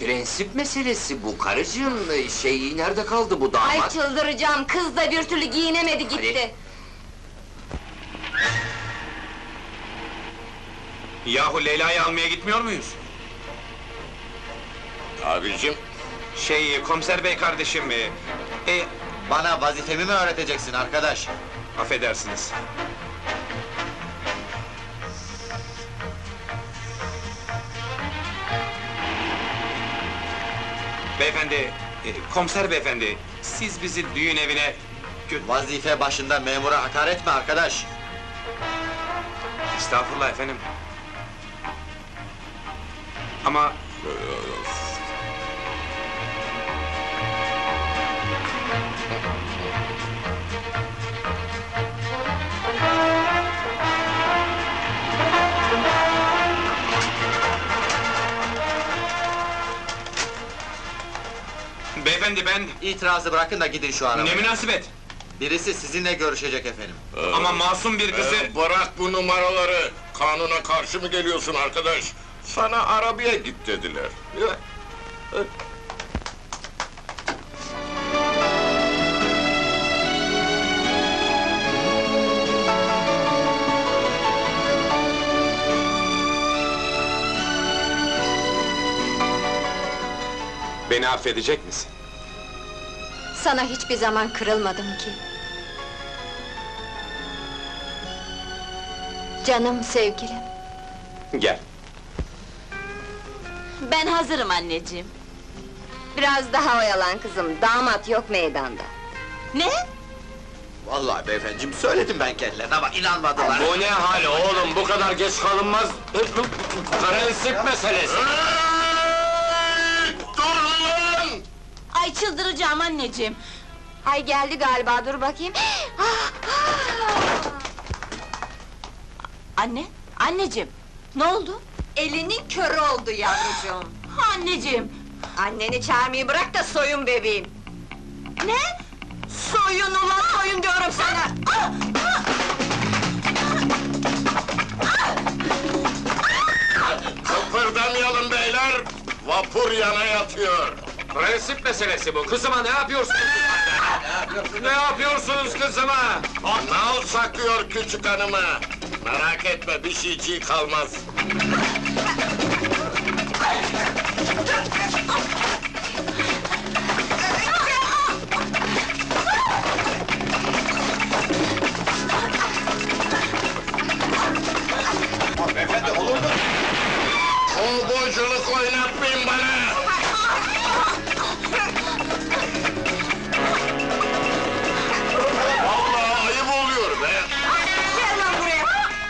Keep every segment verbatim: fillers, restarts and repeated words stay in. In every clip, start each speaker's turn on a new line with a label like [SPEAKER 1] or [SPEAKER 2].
[SPEAKER 1] prensip meselesi bu karıcığım, şey nerede kaldı bu damat?
[SPEAKER 2] Ay çıldıracağım, kız da bir türlü giyinemedi gitti.
[SPEAKER 3] Yahu Leyla'yı almaya gitmiyor muyuz?
[SPEAKER 4] Abicim,
[SPEAKER 3] Şey, komiser bey kardeşim, e, e,
[SPEAKER 4] bana vazifemi mi öğreteceksin arkadaş?
[SPEAKER 3] affedersiniz. Beyefendi, e, komiser beyefendi, siz bizi düğün evine... gö-
[SPEAKER 4] Vazife başında memura hakaret mi arkadaş?
[SPEAKER 3] Estağfurullah efendim. Ama... Beyefendi ben...
[SPEAKER 4] İtirazı bırakın da gidin şu arabaya.
[SPEAKER 3] Ne münasebet!
[SPEAKER 4] Birisi sizinle görüşecek efendim.
[SPEAKER 3] Ama masum bir kızı...
[SPEAKER 5] Ee, bırak bu numaraları! Kanuna karşı mı geliyorsun arkadaş? Sana arabaya git dediler. Ya,
[SPEAKER 3] Beni affedecek misin?
[SPEAKER 2] Sana hiçbir zaman kırılmadım ki. Canım sevgilim.
[SPEAKER 3] Gel.
[SPEAKER 2] Ben hazırım anneciğim. Biraz daha oyalan kızım, damat yok meydanda. Ne?
[SPEAKER 4] Vallahi beyefendiciğim söyledim ben kendilerine ama inanmadılar.
[SPEAKER 3] Bu ne hal oğlum, bu kadar geç kalınmaz! Prensip meselesi!
[SPEAKER 5] Hey! Dur lan!
[SPEAKER 2] Ay çıldıracağım anneciğim! Ay geldi galiba, dur bakayım! Ah, ah! Anne, anneciğim! Ne oldu? Elinin körü oldu yavrucuğum! Anneciğim! Anneni çağırmayı bırak da soyun bebeğim! Ne? Soyun ulan soyun diyorum sana! Ah, ah!
[SPEAKER 5] Kıpırdamayalım beyler! Vapur yana yatıyor!
[SPEAKER 3] Prensip meselesi bu, kızıma ne yapıyorsunuz? Ne yapıyorsunuz kızıma?
[SPEAKER 5] Nal saklıyor küçük hanımı! Merak etme, bir şeyciği kalmaz!
[SPEAKER 4] Beyefendi olur mu?
[SPEAKER 5] Kovboyculuk oynatmayın bana! Vallahi ayıp oluyor be!
[SPEAKER 2] Gel lan buraya!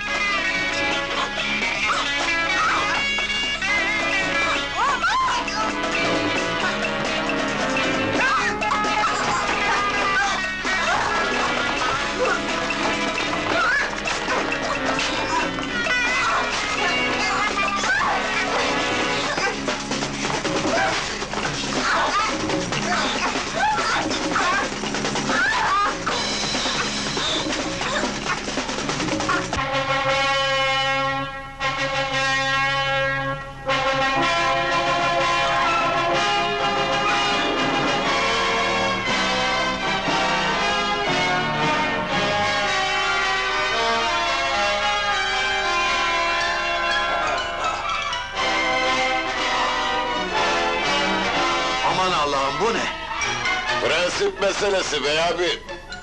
[SPEAKER 4] Aman Allah'ım bu ne?
[SPEAKER 5] Prensip meselesi bey abi!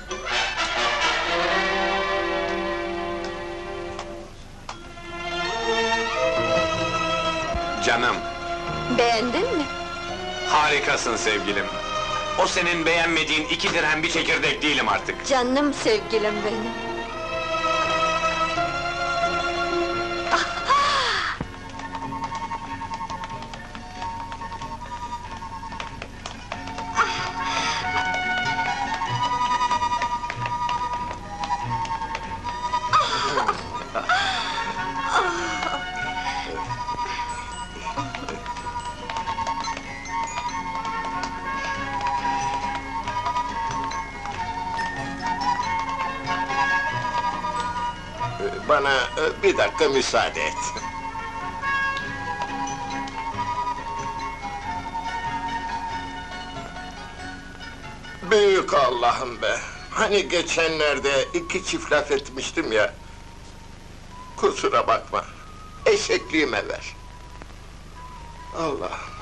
[SPEAKER 3] Canım,
[SPEAKER 2] Beğendin mi?
[SPEAKER 3] harikasın sevgilim. O senin beğenmediğin iki dirhem bir çekirdek değilim artık.
[SPEAKER 2] Canım sevgilim benim.
[SPEAKER 5] Bana e, bir dakika müsaade et. Büyük Allah'ım be! Hani geçenlerde iki çift laf etmiştim ya... Kusura bakma, eşekliğime ver. Allah!